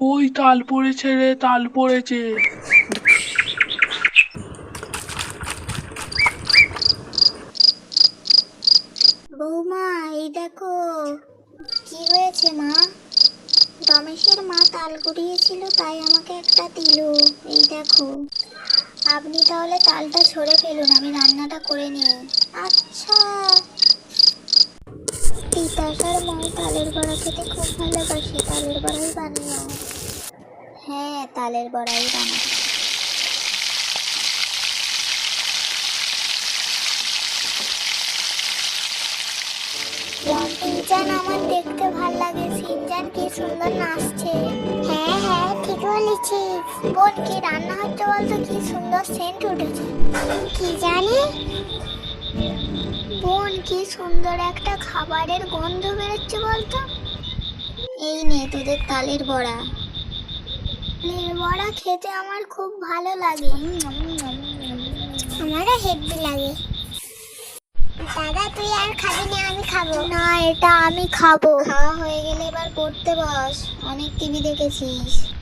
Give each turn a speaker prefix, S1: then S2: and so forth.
S1: ওই তাল পড়েছে রে, তাল পড়েছে।
S2: বৌমা, এই দেখো। কি হয়েছে মা? রমেশের মা তাল কুড়িয়েছিল, তাই আমাকে একটা দিল। এই দেখো। আপনি তাহলে তালটা ছড়ে ফেলুন, আমি রান্নাটা করে নিই। আচ্ছা। তিতাসার মা তালের বড়া খেতে খুব ভালোবাসে, তালের বড়াই বানিও। হ্যাঁ, তালের বড়াই বানাও। সিনচান আমার দেখতে ভাল লাগে। সিনচান কি সুন্দর নাচছে। হ্যাঁ হ্যাঁ, ঠিক বলেছিস। বোন, কি রান্না হচ্ছে বলতো? কি সুন্দর সেন্ট উঠেছে। কি জানি। বোন, কি সুন্দর একটা খাবারের গন্ধ বেরোচ্ছে বলতো। এই নে তোদের তালের বড়া। তালের বড়া খেতে আমার খুব ভালো লাগে। আমারও হেভি লাগে। দাদা, তুই আর খাবি না? আমি খাবো। না, এটা আমি খাবো। খাওয়া হয়ে গেলে এবার পড়তে বস। অনেক টিভি দেখেছিস।